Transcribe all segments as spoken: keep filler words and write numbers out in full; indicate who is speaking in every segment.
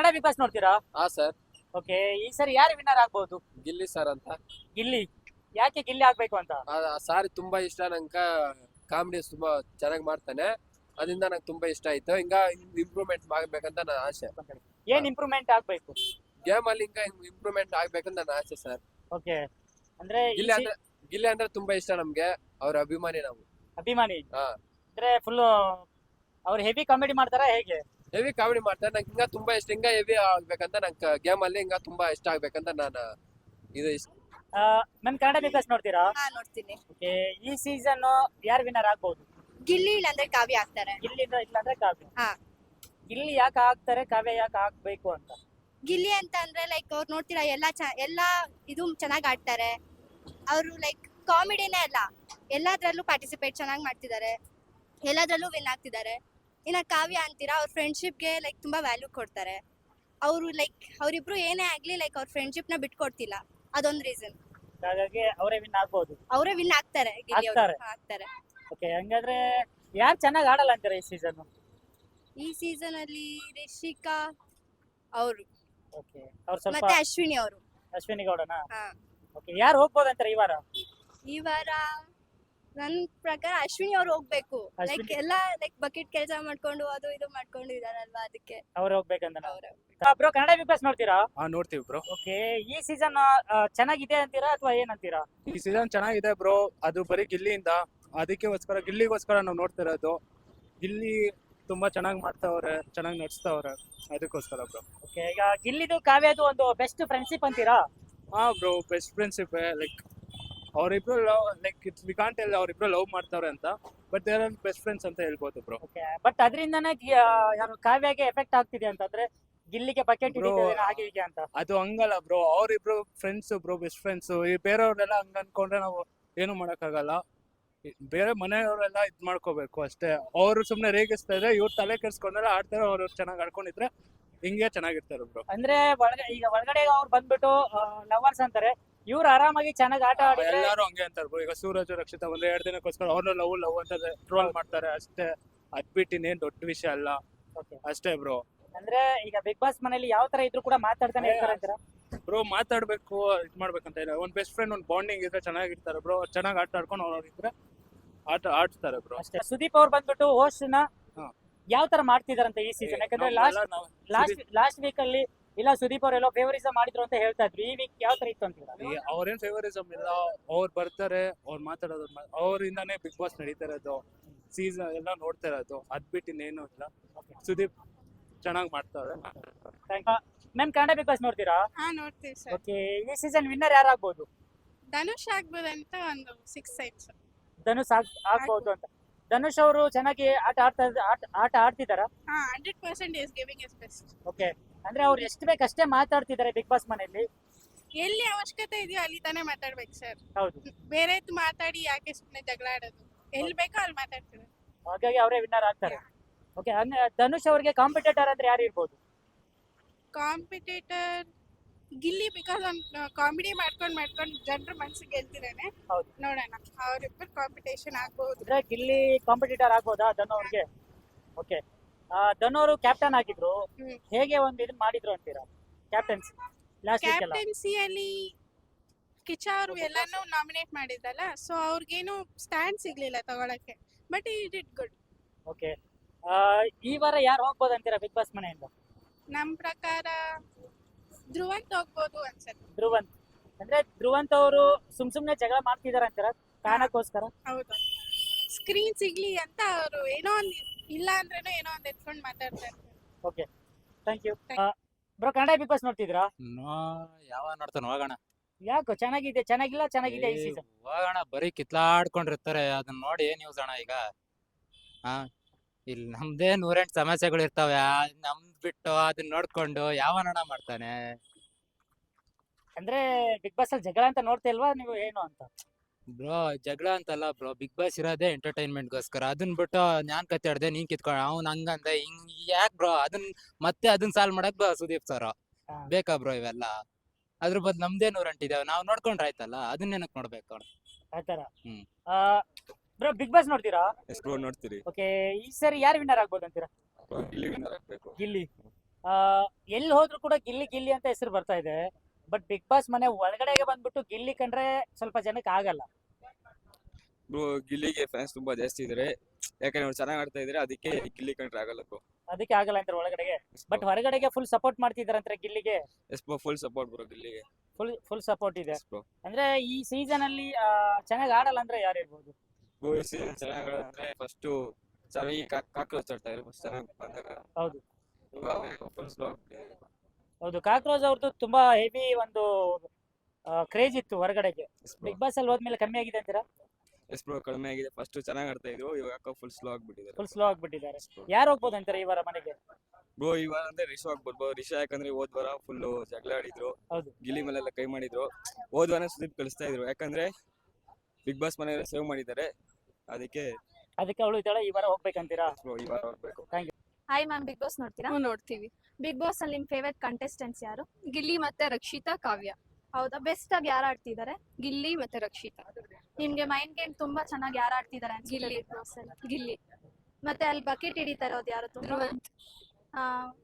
Speaker 1: Big boss ನೋಡ್ತೀರಾ?
Speaker 2: ಹಾ sir,
Speaker 1: okay, ಈ ಸರಿ ಯಾರು ವಿನ್ನರ್ ಆಗ್ಬಹುದು?
Speaker 2: ಗಿಲ್ಲಿ ಸರ್ ಅಂತ.
Speaker 1: ಗಿಲ್ಲಿ. ಯಾಕೆ ಗಿಲ್ಲಿ ಆಗ್ಬೇಕು ಅಂತ?
Speaker 2: ಆ ಸಾರಿ ತುಂಬಾ ಇಷ್ಟ ನಂಗೆ. ಕಾಮಿಡಿ ತುಂಬಾ ಚೆನ್ನಾಗಿ ಮಾಡ್ತಾನೆ, ಅದರಿಂದ ನಂಗೆ ತುಂಬಾ ಇಷ್ಟ ಆಯ್ತು. ಹಿಂಗ ಇಂಪ್ರೂವ್ಮೆಂಟ್ ಆಗ್ಬೇಕಂತ ನನ್ನ ಆಸೆ.
Speaker 1: ಏನ್ ಇಂಪ್ರೂವ್ಮೆಂಟ್ ಆಗ್ಬೇಕು?
Speaker 2: ಗೇಮ್ ಅಲ್ಲಿ ಹಿಂಗ ಇಂಪ್ರೂವ್ಮೆಂಟ್ ಆಗ್ಬೇಕಂತ ನನ್ನ ಆಸೆ ಸರ್.
Speaker 1: ಓಕೆ, ಅಂದ್ರೆ ಈ
Speaker 2: ಗಿಲ್ಲಿ
Speaker 1: ಸಿ-
Speaker 2: ಅಂದ್ರೆ ಗಿಲ್ಲಿ ಅಂದ್ರೆ ತುಂಬಾ ಇಷ್ಟ ನಮ್ಗೆ, ಅವ್ರ ಅಭಿಮಾನಿ ನಾವು.
Speaker 1: ಅಭಿಮಾನಿ
Speaker 2: ಹಾ,
Speaker 1: ಅಂದ್ರೆ ಫುಲ್ ಅವ್ರು ಹೆವಿ ಕಾಮಿಡಿ ಮಾಡ್ತಾರಾ ಹೇಗೆ?
Speaker 2: ಹೆವಿ ಕಾಮಿಡಿ ಮಾಡ್ತಾರೆ. ನಂಗೆ ಹಿಂಗ ತುಂಬಾ ಇಷ್ಟ, ಹಿಂಗ ಹೆವಿ ಆಗ್ಬೇಕಂತ ನಂಗೆ ಗೇಮ್ ಅಲ್ಲಿ ಹಿಂಗ ತುಂಬಾ ಇಷ್ಟ ಆಗ್ಬೇಕಂತ ನಾನು ಇದು ಇಷ್ಟ.
Speaker 1: ನನ್ ಕನ್ನಡ ಬಿಗ್ ಬಾಸ್ ನೋಡ್ತೀರಾ?
Speaker 3: ಹಾ ನೋಡ್ತೀನಿ.
Speaker 1: ಓಕೆ, ಈ ಸೀಸನ್ ಯಾರು ವಿನ್ನರ್ ಆಗ್ಬಹುದು?
Speaker 3: ಗಿಲ್ಲಿ ಇಲ್ಲಾಂದ್ರೆ ಕಾವ್ಯ ಆಗ್ತಾರೆ.
Speaker 1: ಗಿಲ್ಲಿ ಇಲ್ಲಾಂದ್ರೆ ಕಾವ್ಯ.
Speaker 3: ಹಾ.
Speaker 1: ಗಿಲ್ಲಿ ಯಾಕೆ ಆಗ್ತಾರೆ, ಕಾವ್ಯ ಯಾಕೆ ಆಗ್ಬೇಕು ಅಂತ?
Speaker 3: ಗಿಲ್ಲಿ ಅಂತ ಅಂದ್ರೆ ಲೈಕ್ ಅವ್ರು ನೋಡ್ತೀರಾ ಎಲ್ಲಾ ಚ ಎಲ್ಲಾ ಇದು ಚೆನ್ನಾಗಿ ಆಡ್ತಾರೆ. ಅವರು ಲೈಕ್ ಕಾಮಿಡಿನೇ ಅಲ್ಲ, ಎಲ್ಲಾದ್ರಲ್ಲೂ ಪಾರ್ಟಿಸಿಪೇಟ್ ಚೆನ್ನಾಗಿ ಮಾಡ್ತಿದ್ದಾರೆ, ಎಲ್ಲಾದ್ರಲ್ಲೂ ವಿನ್ ಆಗ್ತಿದ್ದಾರೆ. ಇನ್ನ ಕಾವ್ಯ ಅಂತೀರಾ, ಅವ್ರ ಫ್ರೆಂಡ್ಶಿಪ್ಗೆ ಲೈಕ್ ತುಂಬಾ ವ್ಯಾಲ್ಯೂ ಕೊಡ್ತಾರೆ. ಅವರು ಲೈಕ್ ಅವರಿಬ್ರು ಏನೇ ಆಗ್ಲಿ ಲೈಕ್ ಅವ್ರ ಫ್ರೆಂಡ್ಶಿಪ್ ನ ಬಿಟ್ಕೊಡ್ತಿಲ್ಲ, ಅದೊಂದು ರೀಸನ್.
Speaker 1: ಹಾಗಾಗಿ ಅವರೇ ವಿನ್ ಆಗ್ಬಹುದು.
Speaker 3: ಅವರೇ ವಿನ್ ಆಗ್ತಾರೆ, ಗಿಲ್ಲಿ ಅವ್ರು.
Speaker 1: ಆಗ್ತಾರೆ.
Speaker 3: ಹಾ, ಆಗ್ತಾರೆ.
Speaker 1: ಓಕೆ, ಹಂಗಾದ್ರೆ ಯಾರು ಚೆನ್ನಾಗಿ ಆಡಲ್ಲ ಅಂತಾರೆ ಈ ಸೀಸನ್?
Speaker 3: ಈ ಸೀಸನ್ ಅಲ್ಲಿ ರಿಷಿಕಾ ಅವರು
Speaker 1: ಓಕೆ, ಅವ್ರು ಸ್ವಲ್ಪ
Speaker 3: ಮತ್ತೆ ಅಶ್ವಿನಿ ಅವರು.
Speaker 1: ಅಶ್ವಿನಿ ಗೌಡನ.
Speaker 3: ಹಾ.
Speaker 1: ಓಕೆ, ಯಾರು ಹೋಗ್ಬೋದು ಅಂತಾರೆ ಈ ವಾರ?
Speaker 3: ಈ ವಾರ ನನ್ ಪ್ರಕಾರ ಅಶ್ವಿನಿ ಅವ್ರು ಹೋಗ್ಬೇಕು. ಲೈಕ್
Speaker 1: ಅಶ್ವಿನಿ.
Speaker 3: ಎಲ್ಲ ಲೈಕ್ ಬಕೆಟ್ ಕೆಲಸ ಮಾಡ್ಕೊಂಡು ಅದು ಇದು ಮಾಡ್ಕೊಂಡು ಇದಾರಲ್ವಾ, ಅದಕ್ಕೆ
Speaker 1: ಅವ್ರು ಹೋಗ್ಬೇಕಂತ.
Speaker 3: ಅವ್ರು.
Speaker 1: ಬ್ರೋ, ಕನ್ನಡ ಬಿಗ್ ಬಾಸ್ ನೋಡ್ತೀರಾ?
Speaker 4: ಹಾ ನೋಡ್ತೀವಿ ಬ್ರೋ.
Speaker 1: ಓಕೆ, ಈ ಸೀಸನ್ ಚೆನ್ನಾಗಿದೆ ಅಂತೀರಾ ಅಥವಾ ಏನಂತೀರಾ?
Speaker 4: ಈ ಸೀಸನ್ ಚೆನ್ನಾಗಿದೆ ಬ್ರೋ, ಅದು ಬರೀ ಗಿಲ್ಲಿಯಿಂದ, ಅದಕ್ಕೋಸ್ಕರ ಗಿಲ್ಲಿಗೋಸ್ಕರ ನಾವು ನೋಡ್ತಿರೋದು. ಗಿಲ್ಲಿ ತುಂಬಾ ಚೆನ್ನಾಗಿ ಮಾಡ್ತಾವ್ರೆ, ಚೆನ್ನಾಗಿ ನಡ್ಸ್ತಾವ್ರೆ, ಅದಕ್ಕೋಸ್ಕರ ಬ್ರೋ.
Speaker 1: ಓಕೆ, ಈಗ ಗಿಲ್ಲಿದು ಕಾವ್ಯದು ಒಂದು ಬೆಸ್ಟ್ ಫ್ರೆಂಡ್ಶಿಪ್ ಅಂತೀರಾ?
Speaker 4: ಹಾ ಬ್ರೋ, ಬೆಸ್ಟ್ ಫ್ರೆಂಡ್ಶಿಪ್. ಲೈಕ್ ಅವರಿಬ್ರು love, like it's we can't tell ಅವರಿಬ್ರು ಲವ್ ಮಾಡ್ತಾವ್ರೆ ಅಂತ, but there are best friends ಅಂತ ಹೇಳ್ಬೋದು ಬ್ರೋ.
Speaker 1: ಓಕೆ, ಬಟ್ ಅದರಿಂದನೇ ಯಾರು ಕಾವ್ಯಗೆ ಎಫೆಕ್ಟ್ ಆಗ್ತಿದೆ ಅಂತಂದ್ರೆ ಗಿಲ್ಲಿಗೆ ಬಕೆಟ್
Speaker 4: Bro,
Speaker 1: ಹಿಡಿತಿದೆ ಹಾಗೆ ಹೀಗೆ ಅಂತ.
Speaker 4: ಅದು ಹಂಗಲ್ಲ ಬ್ರೋ, ಅವರಿಬ್ರು ಫ್ರೆಂಡ್ಸ್ ಬ್ರೋ, ಬೆಸ್ಟ್ ಫ್ರೆಂಡ್ಸ್. ಈ ಬೇರೆಯವ್ರೆಲ್ಲ ಹಂಗ ಅನ್ಕೊಂಡ್ರೆ ನಾವು ಏನು ಮಾಡಕ್ಕಾಗಲ್ಲ. ಈ ಬೇರೆ ಮನೆಯವರೆಲ್ಲ ಇದ್ ಮಾಡ್ಕೋಬೇಕು ಅಷ್ಟೇ. ಅವ್ರು ಸುಮ್ನೆ ರೇಗಿಸ್ತಾ ಇದ್ರೆ ಇವ್ರು ತಲೆ ಕೆಡ್ಸ್ಕೊಂಡೆಲ್ಲ ಆಡ್ತಾರೆ, ಅವ್ರು ಚೆನ್ನಾಗಿ ಆಡ್ಕೊಂಡಿದ್ರೆ ಹಿಂಗೆ ಚೆನ್ನಾಗಿರ್ತಾರೆ ಬ್ರೋ.
Speaker 1: ಅಂದ್ರೆ ಒಳಗ ಈಗ ಒಳಗಡೆ ಅವ್ರು ಬಂದ್ಬಿಟ್ಟು ಲವರ್ಸ್ ಅಂತಾರೆ, ಇವ್ರು ಆರಾಮಾಗಿ ಚೆನ್ನಾಗಿ ಆಟ ಆಡಿದ್ರೆ
Speaker 4: ಎಲ್ಲಾರು ಹಂಗೆ ಅಂತಾರೆ ಬ್ರೋ. ಈಗ ಸೂರಜ್ ರಕ್ಷಿತಾ ಒಂದ್ ಎರಡ್ ದಿನಕ್ಕೋಸ್ಕರ ಅವ್ರನ್ನ ಲವ್ ಲವ್ ಅಂತ ಟ್ರೋಲ್ ಮಾಡ್ತಾರೆ ಅಷ್ಟೇ. ಅದ್ಬಿಟ್ಟು ಇನ್ನೇನ್ ದೊಡ್ಡ ವಿಷಯ ಅಲ್ಲ,
Speaker 1: Okay.
Speaker 4: ಅಷ್ಟೇ ಬ್ರೋ.
Speaker 1: ಅಂದ್ರೆ ಈಗ ಬಿಗ್ ಬಾಸ್ ಮನೇಲಿ ಯಾವ ತರ ಇದ್ರು ಕೂಡ ಮಾತಾಡ್ತಾನೆ ಇರ್ತಾರೆ ಅಂತೀರಾ?
Speaker 4: ಬ್ರೋ ಮಾತಾಡ್ಬೇಕು, ಇದ್ ಮಾಡ್ಬೇಕಂತ ಇಲ್ಲ. ಒಂದ್ ಬೆಸ್ಟ್ ಫ್ರೆಂಡ್ ಒಂದ್ ಬಾಂಡಿಂಗ್ ಇದ್ರೆ ಚೆನ್ನಾಗಿರ್ತಾರೆ ಬ್ರೋ. ಚೆನ್ನಾಗಿ ಆಟ ಆಡ್ಕೊಂಡು ಅವ್ರಿದ್ರೆ ಆಟ ಆಡ್ತಾರೆ ಬ್ರೋ.
Speaker 1: ಅಷ್ಟೇ. ಸುದೀಪ್ ಅವ್ರು ಬಂದ್ಬಿಟ್ಟು ಹೋಸ್ಟ್ ನ
Speaker 4: ಹಾ.
Speaker 1: ಯಾವ ತರ ಮಾಡ್ತಿದಾರಂತ ಈ ಸೀಸನ್? ಯಾಕಂದ್ರೆ ಲಾಸ್ಟ್ ಲಾಸ್ಟ್ ಲಾಸ್ಟ್ ವೀಕ್ ಅಲ್ಲಿ ಇಲ್ಲ ಸುದೀಪ್ ಅವ್ರು ಎಲ್ಲೋ ಫೇವರಿಸಂ ಮಾಡಿದ್ರು ಅಂತ ಹೇಳ್ತಾ ಇದ್ರು. ಈ ವೀಕ್ ಯಾವ ತರ ಇತ್ತು ಅಂತೀರಾ?
Speaker 4: ಅವ್ರೇನ್ ಫೇವರಿಸಮ್ ಇಲ್ಲ, ಅವ್ರು ಬರ್ತಾರೆ, ಅವ್ರು ಮಾತಾಡೋದು ಅವ್ರಿಂದಾನೇ ಬಿಗ್ ಬಾಸ್ ನಡೀತಾ ಇರೋದು, ಸೀಸನ್ ಎಲ್ಲ ನೋಡ್ತಾ ಇರೋದು. ಅದ್ಬಿಟ್ಟು ಇನ್ನೇನು ಇಲ್ಲ. ಸುದೀಪ್ ಚೆನ್ನಾಗಿ ಮಾಡ್ತಾರೆ.
Speaker 1: ಮ್ಯಾಮ್, ಕನ್ನಡ ಬಿಗ್ ಬಾಸ್ ನೋಡ್ತೀರಾ?
Speaker 5: ಹಾ ನೋಡ್ತೀವಿ ಸರ್.
Speaker 1: ಓಕೆ, ಈ ಸೀಸನ್ ವಿನ್ನರ್ ಯಾರಾಗ್ಬೋದು?
Speaker 5: ಧನುಷ್ ಆಗ್ಬೋದಂತ ಒಂದು ಸಿಕ್ಸ್ ಸೈಡ್ಸ್.
Speaker 1: ಧನುಷ್ ಆಗ್ ಆಗ್ಬೋದು ಅಂತ. ಧನುಷ್ ಅವರು ಚೆನ್ನಾಗಿ ಆಟ ಆಡ್ತಾ ಆಟ ಆಟ ಆಡ್ತಿದಾರ?
Speaker 5: ಹಾ hundred percent is giving is best.
Speaker 1: Okay, ಅಂದ್ರೆ ಅವ್ರು ಎಷ್ಟು ಬೇಕಷ್ಟೇ ಮಾತಾಡ್ತಿದ್ದಾರೆ ಬಿಗ್ ಬಾಸ್ ಮನೆಯಲ್ಲಿ.
Speaker 5: ಎಲ್ಲಿ ಅವಶ್ಯಕತೆ ಇದೆಯೋ ಅಲ್ಲಿ ತಾನೇ ಮಾತಾಡ್ಬೇಕು ಸರ್.
Speaker 1: ಹೌದು,
Speaker 5: ಬೇರೆ ಮಾತಾಡಿ ಯಾಕೆ ಸುಮ್ಮನೆ ಜಗಳ ಆಡೋದು? ಎಲ್ಲಿ ಬೇಕೋ ಅಲ್ಲಿ ಮಾತಾಡ್ತೀವಿ.
Speaker 1: ಹಾಗಾಗಿ ಅವರೇ ವಿನ್ನರ್ ಆಗ್ತಾರೆ. ಓಕೆ, ಧನುಷ್ ಅವರಿಗೆ ಕಾಂಪಿಟೇಟರ್ ಅಂದ್ರೆ ಯಾರು ಇರ್ಬೋದು?
Speaker 5: ಕಾಂಪಿಟೇಟರ್ ಗಿಲ್ಲಿ, ಬಿಕಾಸ್ ಅವ್ನು ಕಾಮಿಡಿ ಮಾಡ್ಕೊಂಡು ಮಾಡ್ಕೊಂಡು ಜನರ ಮನ್ಸಿಗೆ ಗೆಲ್ತಿದ್ದಾನೆ.
Speaker 1: ಹೌದು.
Speaker 5: ನೋಡೋಣ, ಅವರಿಬ್ಬರು ಕಾಂಪಿಟೇಷನ್ ಆಗ್ಬಹುದು.
Speaker 1: ಅಂದ್ರೆ ಗಿಲ್ಲಿ ಕಾಂಪಿಟೇಟರ್ ಆಗ್ಬೋದಾ ಧನು ಅವ್ರಿಗೆ? ಓಕೆ, ಧನು ಅವರು ಕ್ಯಾಪ್ಟನ್ ಆಗಿದ್ರು,
Speaker 5: ಹ್ಮ್.
Speaker 1: ಹೇಗೆ ಒಂದು ಇದನ್ನ ಮಾಡಿದ್ರು ಅಂತೀರಾ ಕ್ಯಾಪ್ಟನ್ಸಿ ಲಾಸ್ಟ್ ವೀಕ್ ಎಲ್ಲ?
Speaker 5: ಕ್ಯಾಪ್ಟನ್ಸಿಯಲ್ಲಿ ಕಿಚ್ಚ ಅವರು ಎಲ್ಲಾನು ನಾಮಿನೇಟ್ ಮಾಡಿದ್ರಲ್ಲ, ಸೊ ಅವ್ರಿಗೇನು ಸ್ಟ್ಯಾಂಡ್ ಸಿಗ್ಲಿಲ್ಲ ತಗೊಳಕ್ಕೆ, ಬಟ್ ಈ ಡಿಡ್ ಗುಡ್.
Speaker 1: ಓಕೆ, ಈ ವಾರ ಯಾರು ಹೋಗ್ಬೋದು ಅಂತೀರಾ ಬಿಗ್ ಬಾಸ್ ಮನೆಯಿಂದ?
Speaker 5: ನಮ್ ಪ್ರಕಾರ ಧ್ರುವಂತ್ ಹೋಗ್ಬೋದು ಅನ್ಸುತ್ತೆ.
Speaker 1: ಧ್ರುವಂತ್. ಅಂದ್ರೆ ಧ್ರುವಂತ್ ಅವರು ಸುಮ್ ಸುಮ್ನೆ ಜಗಳ ಮಾಡ್ತಿದಾರ ಅಂತೀರಾ ಕಾರಣಕ್ಕೋಸ್ಕರ?
Speaker 5: ಹೌದು, ಸ್ಕ್ರೀನ್ ಸಿಗ್ಲಿ ಅಂತ ಅವರು ಏನೋ ಒಂದ್ ಇಲ್ಲ ಅಂದ್ರೇನೋ ಏನೋ ಒಂದ್ ಎತ್ಕೊಂಡ್ ಮಾತಾಡ್ತಾ ಇರ್ತಾರೆ.
Speaker 1: Okay, thank you. Bro, Kannada Bigg Boss ನೋಡ್ತಿದ್ರಾ?
Speaker 6: ಯಾವ ನೋಡ್ತಾನ ಹೋಗೋಣ.
Speaker 1: ಯಾಕೋ ಚೆನ್ನಾಗಿದೆ ಚೆನ್ನಾಗಿಲ್ಲ ಚೆನ್ನಾಗಿದೆ ಈ ಸೀಸನ್?
Speaker 6: ಹೋಗೋಣ, ಬರೀ ಕಿತ್ಲಾಡ್ಕೊಂಡಿರ್ತಾರೆ, ಅದನ್ನ ನೋಡಿ ಏನ್ ಯೂಸ್ ಅಣ್ಣ ಈಗ. ಹಾ, ಇಲ್ಲಿ ನಮ್ದೇ ನೂರೆಂಟು ಸಮಸ್ಯೆಗಳು ಇರ್ತಾವೆ, ನಮ್ದ್ ಬಿಟ್ಟು ಅದನ್ನ ನೋಡ್ಕೊಂಡು ಯಾವನಣ್ಣ ಮಾಡ್ತಾನೆ.
Speaker 1: ಅಂದ್ರೆ ಬಿಗ್ ಬಾಸ್ ಅಲ್ಲಿ ಜಗಳ ಅಂತ ನೋಡ್ತಾ ಇಲ್ವಾ ನೀವು ಏನು ಅಂತ?
Speaker 6: ಬ್ರೋ ಜಗಳ ಅಂತಲ್ಲ ಬ್ರೋ, ಬಿಗ್ ಬಾಸ್ ಇರೋದೇ ಎಂಟರ್ಟೈನ್ಮೆಂಟ್ ಗೋಸ್ಕರ. ಅದನ್ನ ಬಿಟ್ಟು ನಾನ್ ಕತ್ತಾಡ್ದೆ ನೀನ್ ಕಿತ್ಕೊಂಡ ಅವ್ನ್ ಹಂಗಂದ ಹಿಂಗ್ ಯಾಕ್ ಬ್ರೋ? ಅದನ್ ಮತ್ತೆ ಅದನ್ನ ಸಾಲ್ವ್ ಮಾಡಕ್ ಸುದೀಪ್ ಸರ್
Speaker 1: ಹಾ.
Speaker 6: ಬೇಕಾ ಬ್ರೋ ಇವೆಲ್ಲ? ಅದ್ರ ಬದ್ ನಮ್ದೇ ನೂರೆಂಟಿದಾವೆ, ನಾವ್ ನೋಡ್ಕೊಂಡ್ರೆ ಆಯ್ತಲ್ಲ, ಅದನ್ನೇನಕ್ ನೋಡ್ಬೇಕು?
Speaker 1: ಆತರ.
Speaker 6: ಹ್ಮ್.
Speaker 1: ಬ್ರೋ, ಬಿಗ್ ಬಾಸ್ ನೋಡ್ತೀರಾ?
Speaker 7: ಎಷ್ಟು ನೋಡ್ತೀರಿ?
Speaker 1: ಓಕೆ, ಈ ಸರಿ ಯಾರು ವಿನ್ನರ್ ಆಗ್ಬೋದು ಅಂತೀರಾ?
Speaker 7: ಗಿಲ್ಲಿ ವಿನ್ನರ್ ಆಗ್ಬೇಕು.
Speaker 1: ಗಿಲ್ಲಿ. ಎಲ್ಲಿ ಹೋದ್ರು ಕೂಡ ಗಿಲ್ಲಿ ಗಿಲ್ಲಿ ಅಂತ ಹೆಸರು ಬರ್ತಾ ಇದೆ. ಬಟ್ ಬಿಗ್ ಬಾಸ್ ಮನೆ ಒಳಗಡೆಗೆ ಬಂದ್ಬಿಟ್ಟು ಗಿಲ್ಲಿ ಕಂಡ್ರೆ ಸ್ವಲ್ಪ ಜನಕ್ಕೆ ಆಗಲ್ಲ.
Speaker 7: ಬ್ರೋ ಗಿಲ್ಲಿಗೆ ಫ್ಯಾನ್ಸ್ ತುಂಬಾ ಜಾಸ್ತಿ ಇದಾರೆ, ಯಾಕಂದ್ರೆ ಅವ್ರು ಚೆನ್ನಾಗಿ ಆಡ್ತಾ ಇದಾರೆ, ಅದಕ್ಕೆ ಗಿಲ್ಲಿ ಕಂಡ್ರೆ ಆಗಲ್ಲ ಬ್ರೋ.
Speaker 1: ಅದಕ್ಕೆ ಆಗಲ್ಲ ಅಂತಾರೆ ಒಳಗಡೆಗೆ. ಬಟ್ ಹೊರಗಡೆಗೆ ಫುಲ್ ಸಪೋರ್ಟ್ ಮಾಡ್ತಿದಾರಂದ್ರೆ ಗಿಲ್ಲಿಗೆ.
Speaker 7: Yes bro, full support bro ಗಿಲ್ಲಿಗೆ.
Speaker 1: ಫುಲ್ ಫುಲ್ ಸಪೋರ್ಟ್ ಇದೆ.
Speaker 7: Yes bro.
Speaker 1: ಅಂದ್ರೆ ಈ ಸೀಸನ್ ಅಲ್ಲಿ ಚೆನ್ನಾಗಿ ಆಡಲ್ಲ ಅಂದ್ರೆ ಯಾರು ಇರ್ಬೋದು?
Speaker 7: ಬ್ರೋ ಈ ಸೀಸನ್ ಚೆನ್ನಾಗಿ ಆಡಿದ್ರೆ ಫಸ್ಟ್ ಚೆನ್ನಾಗಿ ಕಾಕ್ರೋಚ್ ಆಡ್ತಾ ಇದ್ರು, ಫಸ್ಟ್ ಚೆನ್ನಾಗಿ ಬಂದಾಗ.
Speaker 1: ಹೌದು
Speaker 7: ಇವಾಗ ಫುಲ್ ಸ್ಲೋ.
Speaker 1: ಹೌದು, ಕಾಕ್ರೋಚ್ ಅವ್ರದ್ದು ತುಂಬಾ ಹೆವಿ ಒಂದು ಕ್ರೇಜ್ ಇತ್ತು ಹೊರಗಡೆಗೆ. ಬಿಗ್ ಬಾಸ್ ಅಲ್ಲಿ ಹೋದ್ಮೇಲೆ ಕಮ್ಮಿ ಆಗಿದೆ ಅಂತೀರಾ?
Speaker 7: ಎಸ್ ಬ್ರೋ, ಕಡಿಮೆ ಆಗಿದೆ. ಫಸ್ಟ್ ಚೆನ್ನಾಗಿ ಆಡ್ತಾ ಇದ್ರು, ಇವಾಗ ಫುಲ್ ಸ್ಲೋ ಆಗ್ಬಿಟ್ಟಿದ್ದಾರೆ.
Speaker 1: ಫುಲ್ ಸ್ಲೋ ಆಗ್ಬಿಟ್ಟಿದ್ದಾರೆ. ಯಾರು ಹೋಗ್ಬೋದು ಅಂತಾರೆ ಈ ವಾರ ಮನೆಗೆ?
Speaker 7: ಬ್ರೋ ಇವಾಗ ಅಂದ್ರೆ ರಿಷು ಆಗ್ಬೋದು ಬ್ರೋ. ರಿಷಾ ಯಾಕಂದ್ರೆ ಹೋದ್ ವಾರ ಫುಲ್ ಜಗಳ ಆಡಿದ್ರು,
Speaker 1: ಹೌದು.
Speaker 7: ಗಿಲ್ಲಿ ಮೇಲೆಲ್ಲ ಕೈ ಮಾಡಿದ್ರು. ಹೋದ್ ವಾರ ಸುದೀಪ್ ಕಳಿಸ್ತಾ ಇದ್ರು, ಯಾಕಂದ್ರೆ ಬಿಗ್ ಬಾಸ್ ಮನೆಯಲ್ಲ ಸೇವ್ ಮಾಡಿದ್ದಾರೆ, ಅದಕ್ಕೆ
Speaker 1: ಅದಕ್ಕೆ ಅವಳು ಇದ್ದಾಳೆ, ಈ ವಾರ ಹೋಗ್ಬೇಕಂತೀರಾ?
Speaker 7: ಬ್ರೋ ಈ ವಾರ ಹೋಗ್ಬೇಕು.
Speaker 8: ಹಾಯ್ ಮ್ಯಾಮ್, ಬಿಗ್ ಬಾಸ್ ನೋಡ್ತೀರಾ?
Speaker 5: ನಾವು ನೋಡ್ತೀವಿ.
Speaker 8: ಬಿಗ್ ಬಾಸ್ ಅಲ್ಲಿ ನಿಮ್ ಫೇವರೇಟ್ ಕಂಟೆಸ್ಟೆಂಟ್ಸ್ ಯಾರು?
Speaker 9: ಗಿಲ್ಲಿ ಮತ್ತೆ ರಕ್ಷಿತಾ, ಕಾವ್ಯ.
Speaker 8: ಹೌದಾ, ಬೆಸ್ಟ್ ಆಗಿ ಯಾರು ಆಡ್ತಿದ್ದಾರೆ?
Speaker 9: ಗಿಲ್ಲಿ ಮತ್ತೆ ರಕ್ಷಿತಾ.
Speaker 8: ನಿಮ್ಗೆ ಮೈಂಡ್ ಗೇಮ್ ತುಂಬಾ ಚೆನ್ನಾಗಿ ಯಾರು ಆಡ್ತಿದ್ದಾರೆ ಅನ್ಸುತ್ತೆ
Speaker 9: ಗಿಲ್ಲಿ.
Speaker 8: ಬಿಗ್ ಬಾಸ್ ಅಲ್ಲಿ?
Speaker 9: ಗಿಲ್ಲಿ.
Speaker 8: ಮತ್ತೆ ಅಲ್ಲಿ ಬಕೆಟ್ ಹಿಡಿತಾ ಇರೋದು ಯಾರು ತುಂಬಾ?
Speaker 9: ಧ್ರುವಂತ್.
Speaker 8: ಆ,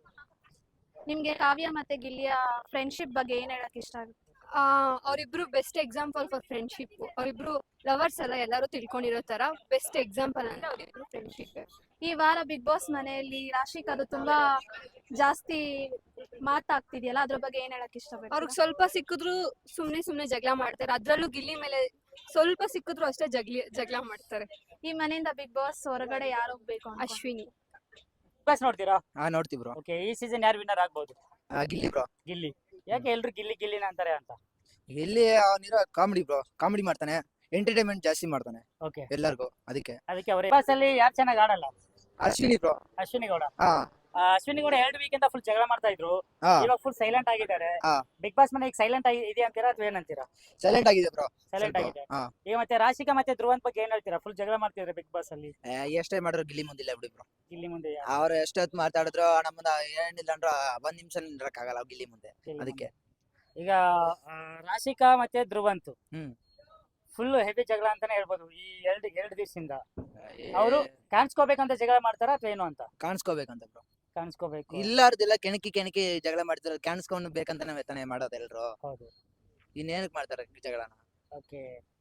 Speaker 8: ನಿಮ್ಗೆ ಕಾವ್ಯ ಮತ್ತೆ ಗಿಲ್ಲಿಯ ಫ್ರೆಂಡ್ಶಿಪ್ ಬಗ್ಗೆ ಏನ್ ಹೇಳಕ್ ಇಷ್ಟ ಆಗುತ್ತೆ?
Speaker 9: ಆ ಅವರಿಬ್ರು ಬೆಸ್ಟ್ ಎಕ್ಸಾಂಪಲ್ ಫಾರ್ ಫ್ರೆಂಡ್ಶಿಪ್. ಅವರಿಬ್ರು ಲವರ್ಸ್ ಎಲ್ಲ ಎಲ್ಲರೂ ತಿಳ್ಕೊಂಡಿರೋ ತರ ಬೆಸ್ಟ್ ಎಕ್ಸಾಂಪಲ್ ಅಂದ್ರೆ ಅವರಿಬ್ರು ಫ್ರೆಂಡ್ಶಿಪ್.
Speaker 8: ಈ ವಾರ ಬಿಗ್ ಬಾಸ್ ಮನೆಯಲ್ಲಿ ರಾಶಿಕಾದು ತುಂಬಾ ಜಾಸ್ತಿ ಮಾತಾಗ್ತಿದೆಯಲ್ಲ, ಅದ್ರ ಬಗ್ಗೆ ಏನ್ ಹೇಳಕ್ ಇಷ್ಟಪಡ್ತೀರಾ?
Speaker 9: ಅವ್ರಿಗೆ ಸ್ವಲ್ಪ ಸಿಕ್ಕಿದ್ರು ಸುಮ್ನೆ ಸುಮ್ನೆ ಜಗಳ ಮಾಡ್ತಾರೆ, ಅದ್ರಲ್ಲೂ ಗಿಲ್ಲಿ ಮೇಲೆ ಸ್ವಲ್ಪ ಸಿಕ್ಕಿದ್ರು ಅಷ್ಟೇ ಜಗ್ಲಿ ಜಗಳ ಮಾಡ್ತಾರೆ.
Speaker 8: ಈ ಮನೆಯಿಂದ ಬಿಗ್ ಬಾಸ್ ಹೊರಗಡೆ ಯಾರು ಹೋಗ್ಬೇಕು ಅಂತ?
Speaker 9: ಅಶ್ವಿನಿ.
Speaker 1: ಬಿಗ್ ಬಾಸ್ ನೋಡ್ತೀರಾ?
Speaker 10: ಹಾ ನೋಡ್ತೀವಿ ಬ್ರೋ.
Speaker 1: ಓಕೆ, ಈ ಸೀಸನ್ ಯಾರು ವಿನ್ನರ್ ಆಗ್ಬೋದು?
Speaker 10: ಗಿಲ್ಲಿ ಬ್ರೋ.
Speaker 1: ಗಿಲ್ಲಿ. ಯಾಕೆ ಎಲ್ರು ಗಿಲ್ಲಿ ಗಿಲ್ಲಿನ ಅಂತಾರೆ ಅಂತ?
Speaker 10: ಗಿಲ್ಲಿ ಅವನಿರೋ ಕಾಮಿಡಿ ಬ್ರೋ, ಕಾಮಿಡಿ ಮಾಡ್ತಾನೆ, ಎಂಟರ್ಟೈನ್ಮೆಂಟ್ ಜಾಸ್ತಿ ಮಾಡ್ತಾನೆ
Speaker 1: ಓಕೆ,
Speaker 10: ಎಲ್ಲರಿಗೂ, ಅದಕ್ಕೆ
Speaker 1: ಅದಕ್ಕೆ ಅವ್ರ ಬಿಗ್ ಬಾಸ್ ಅಲ್ಲಿ ಯಾರು ಚೆನ್ನಾಗಿ ಆಡಲ್ಲ?
Speaker 10: ಅಶ್ವಿನಿ ಬ್ರೋ.
Speaker 1: ಅಶ್ವಿನಿ ಗೌಡ.
Speaker 10: ಹಾ
Speaker 1: ಆ, ಅಶ್ವಿನಿ ಗೌಡ ಎರಡು ವೀಕ್ ಇಂದ ಫುಲ್ ಜಗಳ ಮಾಡ್ತಾ ಇದ್ರು,
Speaker 10: ಹಾ
Speaker 1: ಇವಾಗ ಫುಲ್ ಸೈಲೆಂಟ್ ಆಗಿದ್ದಾರೆ.
Speaker 10: ಹಾ.
Speaker 1: ಬಿಗ್ ಬಾಸ್ ಮನೆ ಈಗ ಸೈಲೆಂಟ್ ಆಗಿ ಇದೆ ಅಂತೀರಾ ಅಥವಾ ಏನಂತೀರಾ?
Speaker 10: ಸೈಲೆಂಟ್ ಆಗಿದೆ ಬ್ರೋ.
Speaker 1: ಸೈಲೆಂಟ್ ಆಗಿದೆ.
Speaker 10: ಹಾ
Speaker 1: ಈಗ ಮತ್ತೆ ರಾಶಿಕಾ ಮತ್ತೆ ಧ್ರುವಂತ್ ಬಗ್ಗೆ ಏನ್ ಹೇಳ್ತೀರಾ? ಫುಲ್ ಜಗಳ ಮಾಡ್ತಿದ್ರೆ ಬಿಗ್ ಬಾಸ್ ಅಲ್ಲಿ.
Speaker 10: ಏ, ಎಷ್ಟೇ ಮಾಡಿದ್ರು ಗಿಲ್ಲಿ ಮುಂದಿಲ್ಲ ಬಿಡಿ ಬ್ರೋ.
Speaker 1: ಗಿಲ್ಲಿ ಮುಂದೆ ಯಾರು?
Speaker 10: ಅವ್ರು ಎಷ್ಟೊತ್ತು ಮಾತಾಡಿದ್ರು ನಮ್ಮನ್ನ ಏನಿಲ್ಲ ಅಂದ್ರ ಒಂದ್ ನಿಮಿಷ ನಿಂದ್ರಕ್ಕಾಗಲ್ಲ ಗಿಲ್ಲಿ ಮುಂದೆ,
Speaker 1: ಗಿಲ್ಲಿ
Speaker 10: ಅದಕ್ಕೆ.
Speaker 1: ಮುಂದೆ. ಈಗ ಆ, ರಾಶಿಕಾ ಮತ್ತೆ ಧ್ರುವಂತ್
Speaker 10: ಹ್ಮ್.
Speaker 1: ಫುಲ್ ಹೆವಿ ಜಗಳ ಅಂತಾನೆ ಹೇಳ್ಬೋದು ಈ ಎರಡು ಎರಡು ದಿವಸದಿಂದ. ಅವ್ರು ಕಾಣಿಸ್ಕೋಬೇಕಂತ ಜಗಳ ಮಾಡ್ತಾರ ಅಥವಾ ಏನು ಅಂತ?
Speaker 10: ಕಾಣಿಸ್ಕೋಬೇಕಂತ ಬ್ರೋ.
Speaker 1: ಕಾಣಿಸ್ಕೋಬೇಕು.
Speaker 10: ಇಲ್ಲಾರ್ದಿಲ್ಲ ಕೆಣಕಿ ಕೆಣಕಿ ಜಗಳ ಮಾಡ್ತಿರೋ, ಕಾಣಿಸ್ಕೊಂಡು ಬೇಕಂತಾನೆ ವೇತನೆ ಮಾಡೋದು ಎಲ್ರು.
Speaker 1: ಹೌದು.
Speaker 10: ಇನ್ನೇನಕ್ ಮಾಡ್ತಾರೆ ಜಗಳನ?
Speaker 1: ಓಕೆ,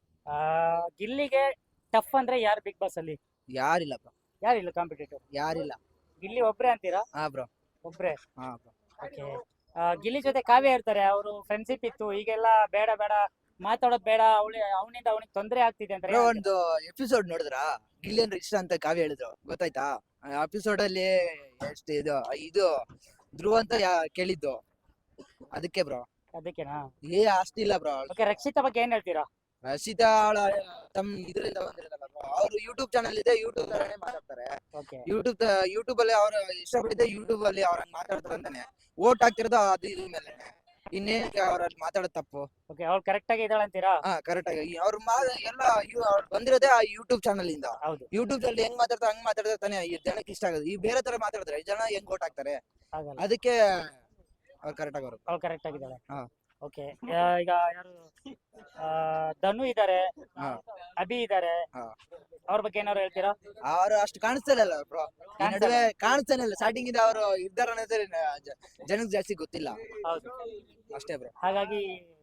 Speaker 1: ಗಿಲ್ಲಿಗೆ ಟಫ್ ಅಂದ್ರೆ ಯಾರು ಬಿಗ್ ಬಾಸ್ ಅಲ್ಲಿ?
Speaker 10: ಯಾರಿಲ್ಲ ಬ್ರೋ,
Speaker 1: ಯಾರಿಲ್ಲ ಕಾಂಪಿಟೇಟಿವ್?
Speaker 10: ಯಾರಿಲ್ಲ.
Speaker 1: ಗಿಲ್ಲಿ ಒಬ್ರೇ ಅಂತೀರಾ?
Speaker 10: ಹಾ ಬ್ರೋ.
Speaker 1: ಒಬ್ರೇ.
Speaker 10: ಹಾ ಬ್ರೋ.
Speaker 1: ಓಕೆ, ಗಿಲ್ಲಿ ಜೊತೆ ಕಾವ್ಯ ಇರ್ತಾರೆ, ಅವರು ಫ್ರೆಂಡ್ಶಿಪ್ ಇತ್ತು, ಈಗೆಲ್ಲ ಬೇಡ ಬೇಡ ಮಾತಾಡೋದ್ ಬೇಡ, ಅವಳಿ ಅವನಿಂದ ಅವನಿಗೆ ತೊಂದರೆ ಆಗ್ತಿದೆ ಅಂತ.
Speaker 10: ಬ್ರೋ ಒಂದು ಎಪಿಸೋಡ್ ನೋಡಿದ್ರ ಗಿಲ್ಲಿ ಅಂದ್ರೆ ಇಷ್ಟ ಅಂತ ಕಾವ್ಯ ಹೇಳಿದ್ರು, ಗೊತ್ತಾಯ್ತಾ? ಎಪಿಸೋಡ್ ಅಲ್ಲಿ ಎಷ್ಟು ಇದು ಇದು ಧ್ರುವ ಅಂತ ಯಾ- ಕೇಳಿದ್ದು, ಅದಕ್ಕೆ ಬ್ರೋ.
Speaker 1: ಅದಕ್ಕೆನಾ?
Speaker 10: ಏ ಅಷ್ಟಿಲ್ಲ ಇಲ್ಲ ಬ್ರೋ.
Speaker 1: ಓಕೆ, ರಕ್ಷಿತಾ ಬಗ್ಗೆ ಏನ್ ಹೇಳ್ತೀರಾ?
Speaker 10: ರಕ್ಷಿತಾ ಅವಳ ತಮ್ಮ ಇದರಿಂದ ಬಂದಿರಲ್ಲ ಬ್ರೋ, ಅವ್ರು ಯೂಟ್ಯೂಬ್ ಚಾನಲ್ ಇದೆ, ಯೂಟ್ಯೂಬ್ ಮಾತಾಡ್ತಾರೆ.
Speaker 1: ಓಕೆ,
Speaker 10: ಯೂಟ್ಯೂಬ್ ಯೂಟ್ಯೂಬ್ ಅಲ್ಲಿ ಅವ್ರು ಇಷ್ಟಪಟ್ಟಿದ್ದೆ ಯೂಟ್ಯೂಬ್ ಅಲ್ಲಿ ಅವ್ರಂಗ್ ಮಾತಾಡ್ತಾರೆ ಅಂತಾನೆ ಓಟ್ ಹಾಕ್ತಿರೋದು ಅದು ಇದ್ರ ಮೇಲೆ. ಇನ್ನೇನಕ್ಕೆ ಅವ್ರಲ್ಲಿ ಮಾತಾಡೋದು ತಪ್ಪು?
Speaker 1: ಓಕೆ, ಅವ್ಳು ಕರೆಕ್ಟ್ ಆಗಿ ಇದ್ದಾಳೆ ಅಂತೀರಾ?
Speaker 10: ಹಾ ಕರೆಕ್ಟ್ ಆಗಿ ಅವ್ರ ಮಾ ಎಲ್ಲ ಇವ್- ಅವ್ರು ಬಂದಿರೋದೇ ಆ ಯೂಟ್ಯೂಬ್ ಚಾನಲ್ ಇಂದ.
Speaker 1: ಹೌದು.
Speaker 10: ಯೂಟ್ಯೂಬ್ ಅಲ್ಲಿ ಹೆಂಗ್ ಮಾತಾಡ್ತಾರೆ ಹಂಗ್ ಮಾತಾಡಿದ್ರೆ ತಾನೇ ಈ ಜನಕ್ಕೆ ಇಷ್ಟ ಆಗೋದು. ಈ ಬೇರೆ ತರ ಮಾತಾಡಿದ್ರೆ ಈ ಜನ ಹೆಂಗ್ ಓಟ್ ಹಾಕ್ತಾರೆ?
Speaker 1: ಆಗಲ್ಲ.
Speaker 10: ಅದಕ್ಕೆ ಅವ್ರು ಕರೆಕ್ಟ್ ಆಗೋರು.
Speaker 1: ಅವ್ಳು ಕರೆಕ್ಟ್ ಆಗಿದ್ದಾಳೆ.
Speaker 10: ಹಾ.
Speaker 1: ಓಕೆ, ಈಗ ಯಾರು ಆ, ಧನು ಇದಾರೆ,
Speaker 10: ಹಾ.
Speaker 1: ಅಭಿ ಇದಾರೆ,
Speaker 10: ಹಾ.
Speaker 1: ಅವ್ರ ಬಗ್ಗೆ ಏನಾದ್ರು ಹೇಳ್ತೀರಾ?
Speaker 10: ಅವ್ರು ಅಷ್ಟು ಕಾಣಿಸ್ತಾನೆ ಇಲ್ಲ ಬ್ರೋ, ಈ ನಡುವೆ ಕಾಣಿಸ್ತಾನೆ ಇಲ್ಲ. ಸ್ಟಾರ್ಟಿಂಗ್ ಇಂದ ಅವರು ಇದ್ದಾರ ಅನ್ನೋದೇ ಜನಕ್ಕೆ ಜಾಸ್ತಿ ಗೊತ್ತಿಲ್ಲ
Speaker 1: ಹೌದು.
Speaker 10: ಅಷ್ಟೇ ಬ್ರೋ.
Speaker 1: ಹಾಗಾಗಿ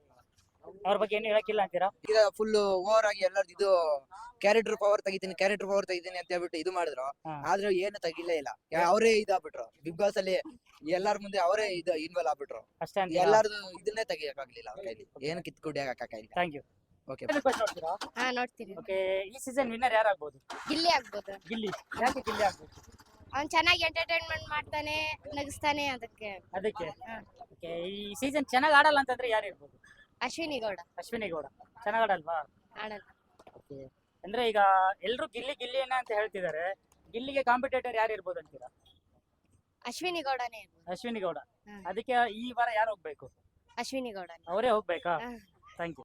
Speaker 1: ಅವ್ರ ಬಗ್ಗೆ ಏನು ಹೇಳಕ್ಕಿಲ್ಲ ಅಂತೀರಾ?
Speaker 10: ಈಗ ಫುಲ್ ಓವರ್ ಆಗಿ ಎಲ್ಲರದ್ದು ಇದು ಕ್ಯಾರೆಕ್ಟರ್ ಪವರ್ ತೆಗಿತೀನಿ ಕ್ಯಾರೆಕ್ಟರ್ ಪವರ್ ತೆಗಿತೀನಿ ಅಂತ ಹೇಳ್ಬಿಟ್ಟು ಇದು ಮಾಡಿದ್ರು,
Speaker 1: ಹಾ.
Speaker 10: ಆದ್ರೆ ಏನು ತೆಗಿಲೇ ಇಲ್ಲ. ಅವರೇ ಇದಾಗ್ಬಿಟ್ರು ಬಿಗ್ ಬಾಸ್ ಅಲ್ಲಿ, ಎಲ್ಲಾರ ಮುಂದೆ ಅವರೇ ಇದು ಇನ್ವಾಲ್ವ್ ಆಗ್ಬಿಟ್ರು.
Speaker 1: ಅಷ್ಟೇ ಅಂತೀರಾ?
Speaker 10: ಎಲ್ಲಾರ್ದು ಇದನ್ನೇ ತೆಗಿಯಕ್ಕಾಗ್ಲಿಲ್ಲ ಅವ್ರ ಕೈಲಿ, ಏನು ಕಿತ್ಕೊಡಿ ಹಾಕಕ್ಕಾಗಿಲ್ಲ.
Speaker 1: Thank you.
Speaker 10: ಓಕೆ.
Speaker 1: ನೋಡ್ತೀರಾ?
Speaker 3: ಹಾ ನೋಡ್ತೀವಿ.
Speaker 1: ಓಕೆ, ಈ ಸೀಸನ್ ವಿನ್ನರ್ ಯಾರಾಗ್ಬೋದು?
Speaker 3: ಗಿಲ್ಲಿ ಆಗ್ಬೋದು.
Speaker 1: ಗಿಲ್ಲಿ. ಯಾಕೆ ಗಿಲ್ಲಿ ಆಗ್ಬೋದು?
Speaker 3: ಅವ್ನ್ ಚೆನ್ನಾಗಿ ಎಂಟರ್ಟೈನ್ಮೆಂಟ್ ಮಾಡ್ತಾನೆ, ನಗಿಸ್ತಾನೆ, ಅದಕ್ಕೆ.
Speaker 1: ಅದಕ್ಕೆ.
Speaker 3: ಹಾ.
Speaker 1: ಓಕೆ, ಈ ಸೀಸನ್ ಚೆನ್ನಾಗಿ ಆಡಲ್ಲ ಅಂತಂದ್ರೆ ಯಾರು ಇರ್ಬೋದು?
Speaker 3: ಅಶ್ವಿನಿ ಗೌಡ
Speaker 1: ಅಶ್ವಿನಿ ಗೌಡ ಚೆನ್ನಾಗ್ ಆಡಲ್ವಾ?
Speaker 3: ಆಡಲ್ಲ.
Speaker 1: ಓಕೆ, ಅಂದ್ರೆ ಈಗ ಎಲ್ರು ಗಿಲ್ಲಿ ಗಿಲ್ಲಿನ ಅಂತ ಹೇಳ್ತಿದ್ದಾರೆ, ಗಿಲ್ಲಿಗೆ ಕಾಂಪಿಟೇಟರ್ ಯಾರು ಇರ್ಬೋದು ಅಂತೀರಾ?
Speaker 3: ಅಶ್ವಿನಿ ಗೌಡನೇ ಇರ್ಬೋದು.
Speaker 1: ಅಶ್ವಿನಿ ಗೌಡ.
Speaker 3: ಹಾ.
Speaker 1: ಅದಕ್ಕೆ ಈ ವಾರ ಯಾರು ಹೋಗ್ಬೇಕು?
Speaker 3: ಅಶ್ವಿನಿ ಗೌಡನೇ.
Speaker 1: ಅವರೇ ಹೋಗ್ಬೇಕಾ?
Speaker 3: ಹಾ.
Speaker 1: Thank you.